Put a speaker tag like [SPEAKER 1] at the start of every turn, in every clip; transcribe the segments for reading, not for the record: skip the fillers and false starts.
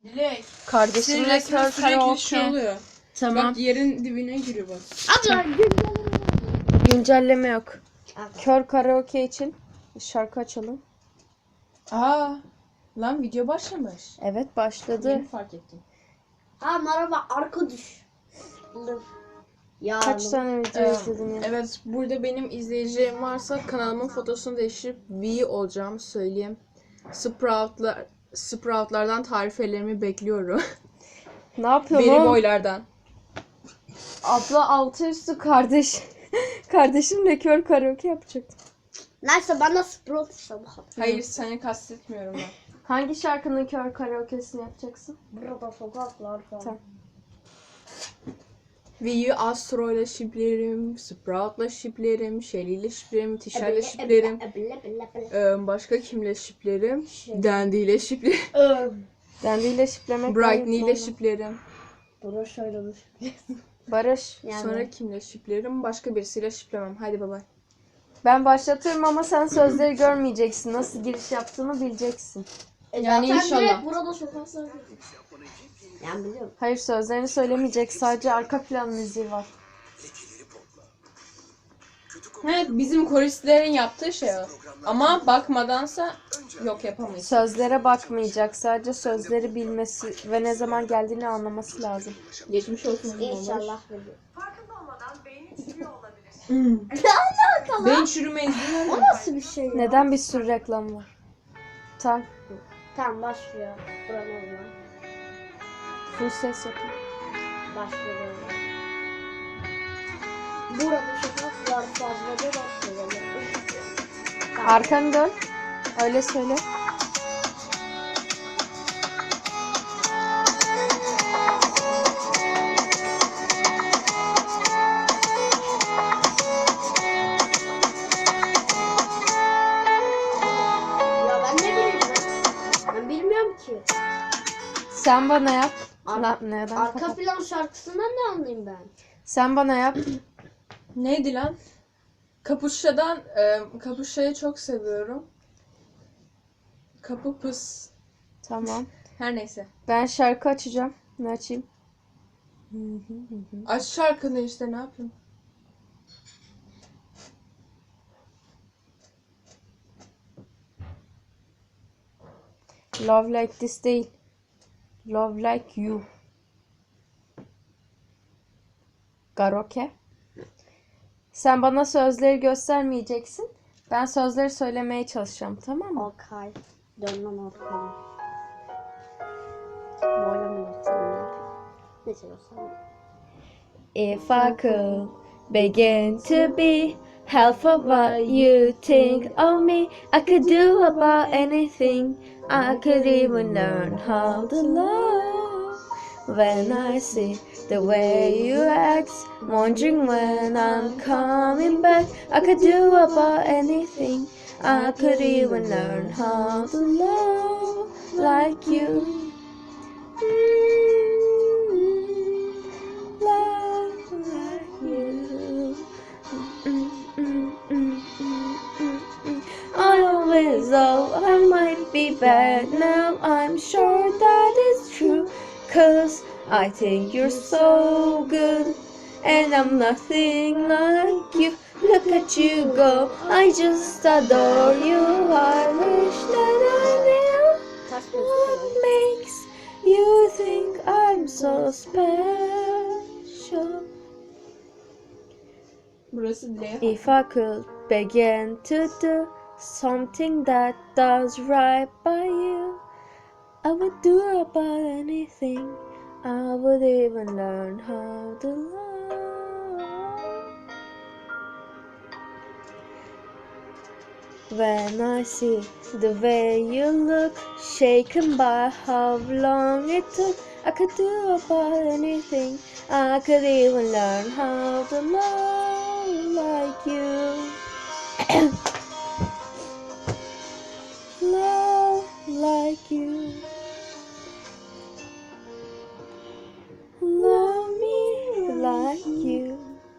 [SPEAKER 1] Dilek.
[SPEAKER 2] Kardeşimle kör karaoke.
[SPEAKER 1] oluyor.
[SPEAKER 2] Tamam.
[SPEAKER 1] Bak yerin dibine giriyor bak.
[SPEAKER 3] Abla
[SPEAKER 2] Güncelleme yok.
[SPEAKER 3] Abla.
[SPEAKER 2] Kör karaoke için şarkı açalım.
[SPEAKER 1] Aa, lan video başlamış.
[SPEAKER 2] Evet başladı.
[SPEAKER 1] Yeni fark ettim.
[SPEAKER 3] Ha merhaba arka düş. Ya
[SPEAKER 2] Kaç tane video izledin ya?
[SPEAKER 1] Evet, burada benim izleyicilerim varsa kanalımın fotosunu değiştirip V olacağımı söyleyeyim. Sproutlardan tarifelerimi bekliyorum.
[SPEAKER 2] Ne yapıyorsun
[SPEAKER 1] Beri
[SPEAKER 2] oğlum?
[SPEAKER 1] boylardan.
[SPEAKER 2] Abla altı üstü kardeş. Kardeşimle kör karaoke yapacaktım.
[SPEAKER 3] Neyse bana Sprout sabah.
[SPEAKER 1] Hayır, seni kastetmiyorum ben.
[SPEAKER 2] Hangi şarkının kör karaoke'sini yapacaksın?
[SPEAKER 3] Burada sokaklar falan.
[SPEAKER 2] Tamam.
[SPEAKER 1] V'yi Astro ile şiplerim, Sprout'la şiplerim, Shelly ile şiplerim, Tisha ile şiplerim. Başka kimle şiplerim? Dandy ile şiplerim.
[SPEAKER 2] Dandy ile şiplemek.
[SPEAKER 1] Brightney ile şiplerim.
[SPEAKER 3] Bunu söylemiş.
[SPEAKER 2] Barış.
[SPEAKER 3] Yani.
[SPEAKER 1] Sonra kimle şiplerim? Başka birisiyle şiplemem. Haydi baba.
[SPEAKER 2] Ben başlatıyorum ama sen sözleri görmeyeceksin. Nasıl giriş yaptığını bileceksin.
[SPEAKER 1] Yani
[SPEAKER 3] Zaten
[SPEAKER 1] inşallah.
[SPEAKER 3] direkt burada sokaklar. Yani biliyorum.
[SPEAKER 2] Hayır sözlerini söylemeyecek. Sadece arka plan müziği var.
[SPEAKER 1] Evet, bizim koristlerin yaptığı şey o. Ama bakmadansa yok yapamayız.
[SPEAKER 2] Sözlere bakmayacak. Sadece sözleri bilmesi ve ne zaman geldiğini anlaması lazım.
[SPEAKER 1] Geçmiş olsun.
[SPEAKER 3] İnşallah.
[SPEAKER 4] Farkında olmadan beyni çürüyor olabilir.
[SPEAKER 1] Ben çürüme izin
[SPEAKER 3] O nasıl bir şey ya?
[SPEAKER 2] Neden bir sürü reklam var? Tamam.
[SPEAKER 3] Tamam başlıyor. Buranın var.
[SPEAKER 2] Full ses yapın.
[SPEAKER 3] Başlıyor. Burada sokaklar fazla da başlıyor. Tamam.
[SPEAKER 2] Arkanı dön. Öyle söyle.
[SPEAKER 3] Ya ben ne bileyim ben bilmiyorum ki.
[SPEAKER 2] Sen bana yap.
[SPEAKER 3] Ar-
[SPEAKER 2] Neden?
[SPEAKER 3] Arka
[SPEAKER 2] kapat-
[SPEAKER 3] plan şarkısından ne anlayayım ben?
[SPEAKER 2] Sen bana yap.
[SPEAKER 1] Neydi lan? Kapuşa'yı çok seviyorum. Kapı pıs.
[SPEAKER 2] Tamam.
[SPEAKER 1] Her neyse.
[SPEAKER 2] Ben şarkı açacağım. Ne açayım?
[SPEAKER 1] Aç şarkını işte, ne yapayım?
[SPEAKER 2] Love Like This değil. Love Like You. Karaoke. Sen bana sözleri göstermeyeceksin. Ben sözleri söylemeye çalışacağım, tamam mı?
[SPEAKER 3] Okay. Dönmem arkaya. Böyle mi yapsam? Ne seviyorsan.
[SPEAKER 2] If I could begin to be half of what you think of me, I could do about anything. I could even learn how to love. When I see the way you act, wondering when I'm coming back, I could do about anything. I could even learn how to love like you. Love like you. I always thought I might be bad. Now I'm sure that is true. 'Cause I think you're so good. And I'm nothing like you. Look at you go. I just adore you. I wish that I knew
[SPEAKER 3] Ters
[SPEAKER 2] what
[SPEAKER 3] gözüküyor.
[SPEAKER 2] makes you think I'm so special.
[SPEAKER 1] Burası Dileğe.
[SPEAKER 2] If I could begin to do something that does right by you, I would do about anything. I would even learn how to love. When I see the way you look, shaken by how long it took, I could do about anything. I could even learn how to love like you. Love like you. Love me like you.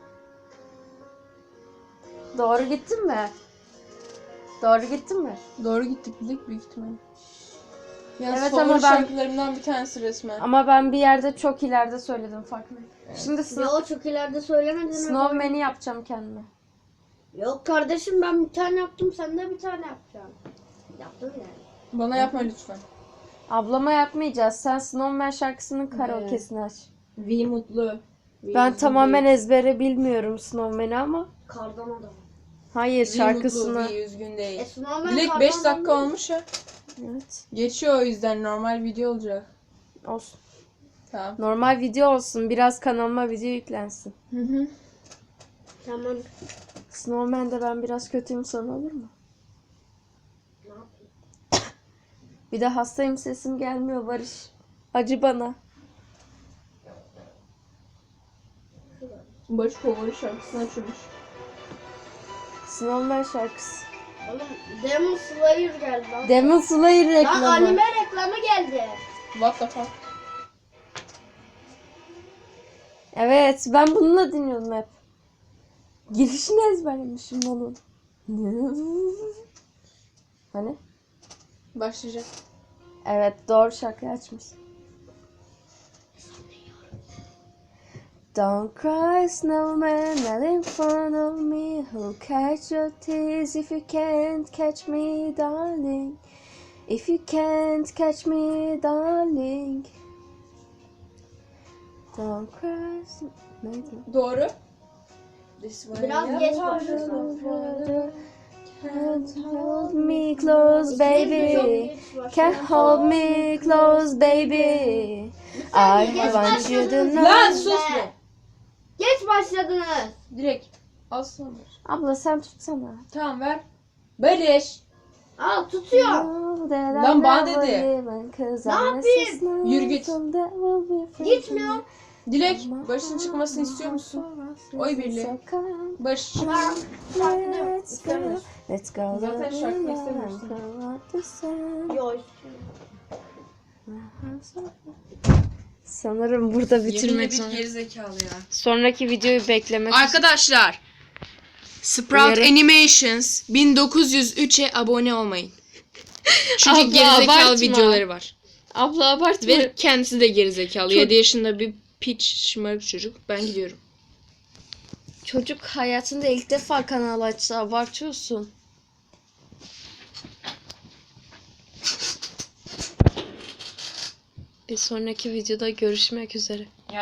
[SPEAKER 2] Doğru gittin mi? Doğru gittin mi?
[SPEAKER 1] Doğru gittik Dilek, büyük ihtimalle. Yani
[SPEAKER 2] Evet,
[SPEAKER 1] favori
[SPEAKER 2] ama ben-
[SPEAKER 1] şarkılarımdan bir tanesi resmen.
[SPEAKER 2] Ama ben bir yerde çok ileride söyledim farklı. Şimdi
[SPEAKER 3] Yo çok ileride söylemedin.
[SPEAKER 2] Snowman'i yapacağım kendime.
[SPEAKER 3] Yok kardeşim ben bir tane yaptım sen de bir tane yapacaksın. Yaptım yani.
[SPEAKER 1] Bana yapma lütfen.
[SPEAKER 2] Ablama yapmayacağız. Sen Snowman şarkısının karaoke'sini aç.
[SPEAKER 1] V mutlu.
[SPEAKER 2] Ben tamamen ezbere bilmiyorum Snowman'i ama.
[SPEAKER 3] Kardan adam.
[SPEAKER 2] Hayır, şarkısını.
[SPEAKER 1] V üzgün değil.
[SPEAKER 3] Snowman
[SPEAKER 1] Dilek
[SPEAKER 3] kardan
[SPEAKER 1] 5
[SPEAKER 3] adam
[SPEAKER 1] dakika
[SPEAKER 3] değil.
[SPEAKER 1] olmuş ya.
[SPEAKER 2] Evet.
[SPEAKER 1] Geçiyor o yüzden normal video olacak.
[SPEAKER 2] Olsun.
[SPEAKER 1] Tamam.
[SPEAKER 2] Normal video olsun. Biraz kanalıma video yüklensin.
[SPEAKER 1] Hı hı.
[SPEAKER 3] Tamam.
[SPEAKER 2] Snowman'de ben biraz kötüyüm sana olur mu?
[SPEAKER 3] Ne yapayım?
[SPEAKER 2] Bir de hastayım, sesim gelmiyor Barış. Acı bana.
[SPEAKER 1] Barış favori şarkısını açılmış.
[SPEAKER 2] Snowman şarkısı.
[SPEAKER 3] Oğlum Demon Slayer geldi lan.
[SPEAKER 2] Demon Slayer
[SPEAKER 3] Lan
[SPEAKER 2] reklamı.
[SPEAKER 3] anime reklamı geldi.
[SPEAKER 1] What the fuck?
[SPEAKER 2] Evet, ben bununla dinliyordum hep. Girişini ezberlemişim onun. Hani?
[SPEAKER 1] Başlayacak.
[SPEAKER 2] Evet, doğru şarkıyı açmış. Don't cry, snowman, not in front of me. Who'll catch your tears if you can't catch me, darling? If you can't catch me, darling. Don't cry, neydi?
[SPEAKER 1] Doğru. This way
[SPEAKER 3] Biraz
[SPEAKER 1] ya.
[SPEAKER 3] geç başlasın.
[SPEAKER 2] Can't hold me close, baby.
[SPEAKER 3] Çok
[SPEAKER 2] Can't hold me close, baby. I
[SPEAKER 3] geç
[SPEAKER 2] want you to know.
[SPEAKER 1] Lan sus be.
[SPEAKER 3] Geç başladınız.
[SPEAKER 1] Direkt. Al sana.
[SPEAKER 2] Abla sen tutsana.
[SPEAKER 1] Tamam ver. Barış.
[SPEAKER 3] Al tutuyor.
[SPEAKER 1] Lan bana dedi.
[SPEAKER 3] Ne yapayım?
[SPEAKER 1] Yürü git.
[SPEAKER 3] Gitmiyor.
[SPEAKER 1] Dilek, Barış'ın çıkmasını istiyor musun? Oy birliği. Barış çık.
[SPEAKER 2] Let's go. Let's go.
[SPEAKER 1] Zaten şarkı istemiyorsun.
[SPEAKER 3] Yok.
[SPEAKER 2] Sanırım burada bitirmek
[SPEAKER 1] bir
[SPEAKER 2] zorunda.
[SPEAKER 1] gerizekalı ya.
[SPEAKER 2] Sonraki videoyu beklemek.
[SPEAKER 1] Arkadaşlar, Sprout
[SPEAKER 2] Uyarı.
[SPEAKER 1] Animations 1903'e abone olmayın. Çünkü
[SPEAKER 2] Abla,
[SPEAKER 1] gerizekalı
[SPEAKER 2] abartma.
[SPEAKER 1] videoları var.
[SPEAKER 2] Abla abartma.
[SPEAKER 1] Ve kendisi de gerizekalı. 7 yaşında bir piç şımarık çocuk. Ben gidiyorum.
[SPEAKER 2] Çocuk hayatında ilk defa kanal açtı. Abartıyorsun. Bir sonraki videoda görüşmek üzere.